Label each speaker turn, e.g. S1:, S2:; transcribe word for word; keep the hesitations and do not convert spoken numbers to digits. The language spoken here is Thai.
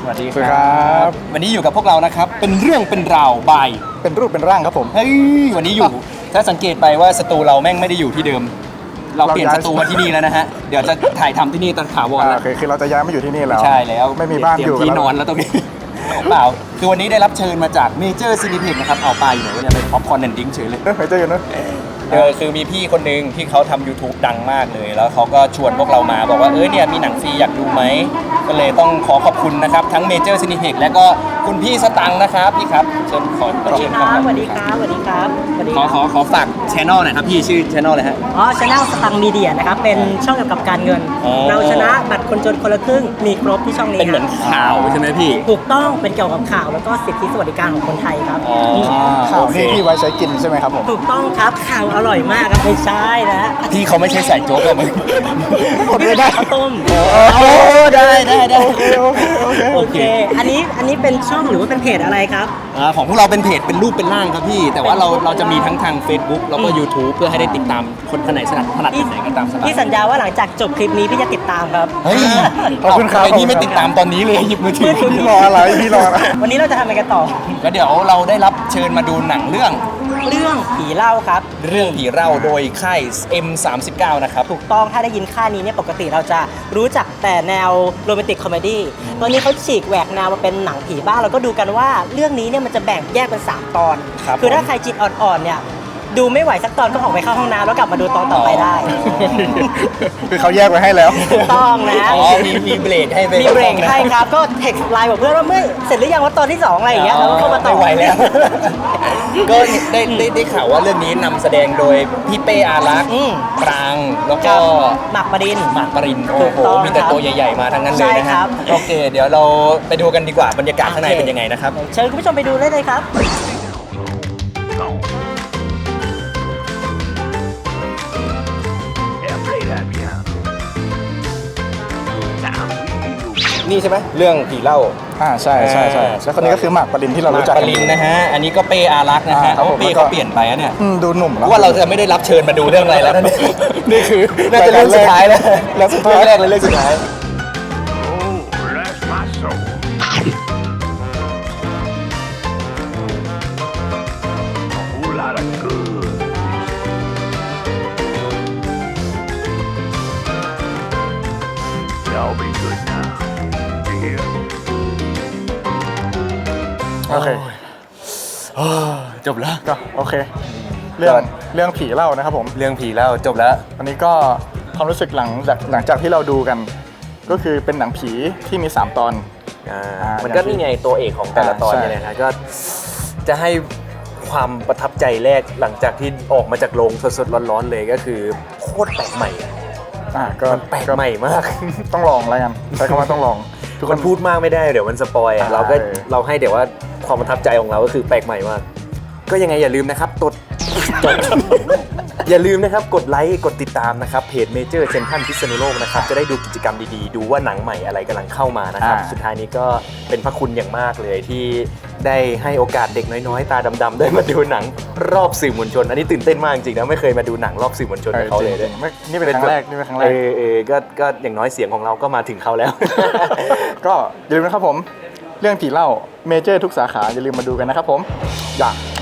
S1: วัสดีครับวันนี้อยู่กับพวกเรานะครับเป็นเรื่องเป็นราวบาย
S2: เป็นรูปเป็นร่างครับผม
S1: เฮ้ยวันนี้อยู่ถ้าสังเกตไปว่าสตูเราแม่งไม่ได้อยู่ที่เดิมเราเปลี่ยนสตูมาที่นี่แล้วนะฮะเดี๋ยวจะถ่ายทำที่นี่ตอนถาวรแล้ว
S2: โอเคคือเราจะย้ายมาอยู่ที่นี่แล้ว
S1: ใช่แล้ว
S2: ไม่มีบ้านอยู่
S1: ที่นอนแล้วตรงนี้เปล่าคือวันนี้ได้รับเชิญมาจากเมเจอร์ซีนิเพ็กนะครับเอาไปอยู่ไหนวะเนี่ยเป็นป๊อปคอร์นแอนด์ดิ้งเฉยเลย
S2: เออเมเจอร์อยู่นะ
S1: เออคือมีพี่คนหนึ่งที่เขาทำ YouTube ดังมากเลยแล้วเขาก็ชวนพวกเรามาบอกว่าเออเนี่ยมีหนังฟรีอยากดูไหมก็เลยต้องขอขอบคุณนะครับทั้งเมเจอร์ซีนิเพ็กและก็คุณพี่สตังค์นะครับพี่ครับเชิญขอเชิญครับ
S3: สวัสดีครับสวัสดีครับสวัสดี
S1: ขอขอขอฝากช anel หน่อยครับพี่ชื่อช anel อะไรฮะ
S3: อ๋อช anel สตังค์มีเดียนะครับเป็นช่องเกี่ยวกับการเงินเราชนะบัตรคนจนคนละครึ่งมีครบที่ช่องนี้
S1: เป็นเหมือนข่าวใช่ไหมพี่
S3: ถูกต้องเป็นเกี่ยวกับข่าวแล้วก็สิทธิสวัสดิการของคนไทยครับ
S2: ข่าวนี่ที่ไว้ใช้กินใช่ไหมครับผม
S3: ถูกต้องครับข่าวอร่อยมากครับไม่ใช่นะ
S1: พี่เขาไม่ใช่ใส่โจ๊กเลยมึง
S3: ไม่ได้ข้าวต้ม
S1: โอ้ได้ได้ได้โอเคโอเค
S3: โอเคอันนี้อันนี้เป็นช่องหรือว่าเป็นเพจอะไรครับ
S1: ของพวกเราเป็นเพจเป็นรูปเป็นร่างครับพี่แต่ว่าเราเราจะมีทั้งทาง Facebook แล้วก็ YouTube เพื่อให้ได้ติดตามคนคนไหนถนัดถนัดไหนก็ตามสบาย
S3: พี่สัญญาว่าหลังจากจบคลิปนี้พี่จะติดตามครับ
S1: เฮ้ย
S2: ขอบคุณครับ
S1: พี่ไม่ติดตามตอนนี้เลยหยิบมือถือ
S2: พี่รออะไรพี่รออะไร
S3: วันนี้เราจะทำอะไรกันต่อ
S1: ก็เดี๋ยวเราได้รับเชิญมาดูหนังเรื่อง
S3: เรื่องผีเล่าครับ
S1: เรื่องผีเล่าโดยค่าย เอ็ม สามสิบเก้า นะครับ
S3: ถูกต้องถ้าได้ยินค่ายนี้เนี่ยปกติเราจะรู้จักแต่แนวโรแมนติกคอมเมดี้ตอนนี้เขาฉีกแหวกแนวมาเป็นหนังผีบ้างเราก็ดูกันว่าเรื่องนี้เนี่ยมันจะแบ่งแยกเป็นสามตอนคือถ้าใครจิตอ่อนๆเนี่ยดูไม่ไหวสักตอนก็ออกไปเข้าห้องน้ำแล้วกลับมาดูตอนต่อไปได้
S2: คือเขาแยกไว้ให้แล้ว
S3: ถูกต้องนะ
S1: อ๋อมีมีเบรกให้
S3: มีเบรกให้ครับก็เท็กซ์ไลน์บอกเพื่อนว่าเมื่อเสร็จหรือยังว่าตอนที่สองอะไรอย่างเงี้ยแล้วก็เข้ามาต่อ
S1: ไม่ไหวแล้วก็ได้ได้ได้ข่าวว่าเรื่องนี้นำแสดงโดยพี่เป้อารักษ์ปรางแล้วก็
S3: หมากปริน
S1: หมากปรินโอ้โหมีแต่ตัวใหญ่ๆมาทั้งนั้นเลยนะครับโอเคเดี๋ยวเราไปดูกันดีกว่าบรรยากาศข้างในเป็นยังไงนะครับ
S3: เชิญคุณผู้ชมไปดูเลยเลยครับ
S1: นี่ใช่ไหมเรื่องผีเล่า
S2: อ่าใช่ใช่ใช่แล้วคนนี้ก็คือหมากปรินที่เรารู้จัก
S1: หมากปรินนะฮะอันนี้ก็เป้อารักษ์นะฮะเป้เขาเปลี่ยนไปอะเนี่ย
S2: ดูหนุ่มแล้ว
S1: ว่าเราจะไม่ได้รับเชิญมาดูเรื่องอะไรแล้ว
S2: นี่คือ
S1: น่าจะเรื่องสุดท้ายแล้วเรื่องสุดท้ายแรกเลยเรื่องสุดท้าย
S2: โอเค
S1: จบแล้ว
S2: ก็โอเคเรื่องเรื่องผีเล่านะครับผม
S1: เรื่องผีเล่าจบแล้ว
S2: อันนี้ก็ความรู้สึกหลังจากหลังจากที่เราดูกันก็คือเป็นหนังผีที่มีสามตอน
S1: อ่ามันก็นี่ไงตัวเอกของแต่ละตอนเนี่ยนะก็จะให้ความประทับใจแรกหลังจากที่ออกมาจากโรงสดๆร้อนๆเลยก็คือโคตรแปลกใหม่
S2: อ่าก็
S1: แปลกใหม่มาก
S2: ต้องลองอะไรกันใช้คำว่าต้องลอง
S1: ทุกคนพูดมากไม่ได้เดี๋ยวมันสปอยเราก็เราให้เดี๋ยวว่าความประทับใจของเราก็คือแปลกใหม่มากก็ยังไงอย่าลืมนะครับกดอย่าลืมนะครับกดไลค์กดติดตามนะครับเพจเมเจอร์เซ็นทรัลพิษณุโลกนะครับจะได้ดูกิจกรรมดีๆดูว่าหนังใหม่อะไรกำลังเข้ามานะครับสุดท้ายนี้ก็เป็นพระคุณอย่างมากเลยที่ได้ให้โอกาสเด็กน้อยๆตาดำๆได้มาดูหนังรอบสื่อมวลชนอันนี้ตื่นเต้นมากจริงๆนะไม่เคยมาดูหนังรอบสื่อมวลชนกับเขาเลย
S2: นี่เป็นครั้งแรกนี่เป็นครั้งแรก
S1: เออเออก็ก็อย่างน้อยเสียงของเราก็มาถึงเขาแล้ว
S2: ก็อย่าลืมนะครับผมเรื่องผีเล่าเมเจอร์ทุกสาขาอย่าลืมมาดูกันนะครับผมอย่า